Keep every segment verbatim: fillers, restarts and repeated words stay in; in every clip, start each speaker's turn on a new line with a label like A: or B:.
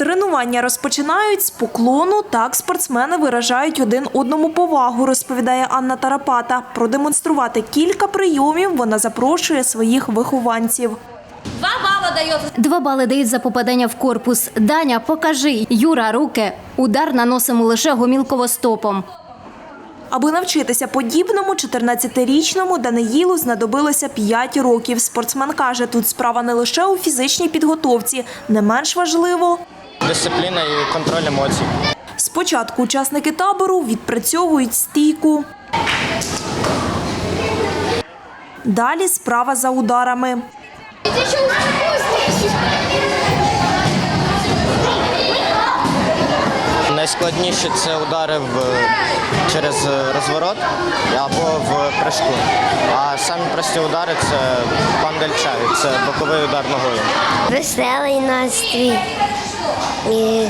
A: Тренування розпочинають з поклону. Так спортсмени виражають один одному повагу, розповідає Анна Тарапата. Продемонструвати кілька прийомів вона запрошує своїх вихованців.
B: Два бали дають.
C: Два бали дають за попадання в корпус. Даня, покажи. Юра, руки. Удар наносимо лише гомілково-стопом.
A: Аби навчитися подібному, чотирнадцятирічному Даниїлу знадобилося п'ять років. Спортсмен каже, тут справа не лише у фізичній підготовці. Не менш важливо
D: – дисципліна і контроль емоцій.
A: Спочатку учасники табору відпрацьовують стійку. Далі справа за ударами.
D: Найскладніше – це удари в, через розворот або в прыжку. А самі прості удари – це пандельчай, це боковий удар ногою.
E: Веселий настрій. І,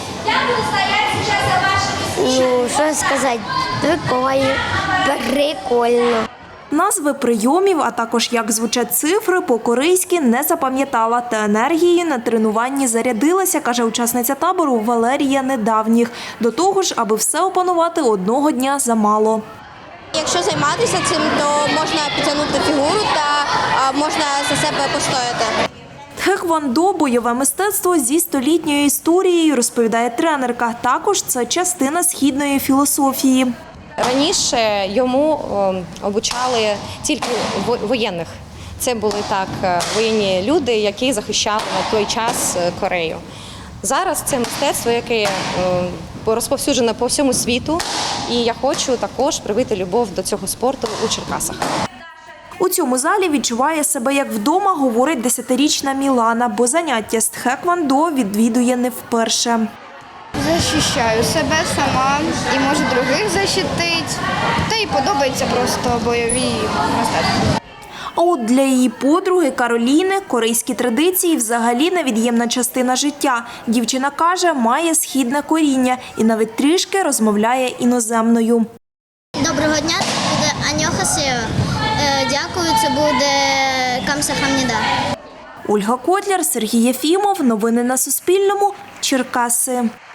E: ну, що сказати, прикольно, прикольно.
A: Назви прийомів, а також як звучать цифри, по-корейськи не запам'ятала. Та енергією на тренуванні зарядилася, каже учасниця табору Валерія Недавніх. До того ж, аби все опанувати, одного дня замало.
F: Якщо займатися цим, то можна підтягнути фігуру та можна за себе постояти.
A: Тхеквондо – бойове мистецтво зі столітньою історією, розповідає тренерка. Також це частина східної філософії.
B: Раніше йому обучали тільки воєнних. Це були так воєнні люди, які захищали на той час Корею. Зараз це мистецтво, яке розповсюджене по всьому світу, і я хочу також привити любов до цього спорту у Черкасах.
A: У цьому залі відчуває себе як вдома, говорить десятирічна Мілана, бо заняття з тхеквондо відвідує не вперше.
G: Захищаю себе сама і можу других захистити. Та й подобається просто бойові мистецтва.
A: А от для її подруги Кароліни корейські традиції взагалі невід'ємна частина життя. Дівчина каже, має східне коріння і навіть трішки розмовляє іноземною.
E: Доброго дня, це буде аньохасео. Дякую, це буде камсахамніда.
A: Ольга Котляр, Сергій Єфімов. Новини на Суспільному. Черкаси.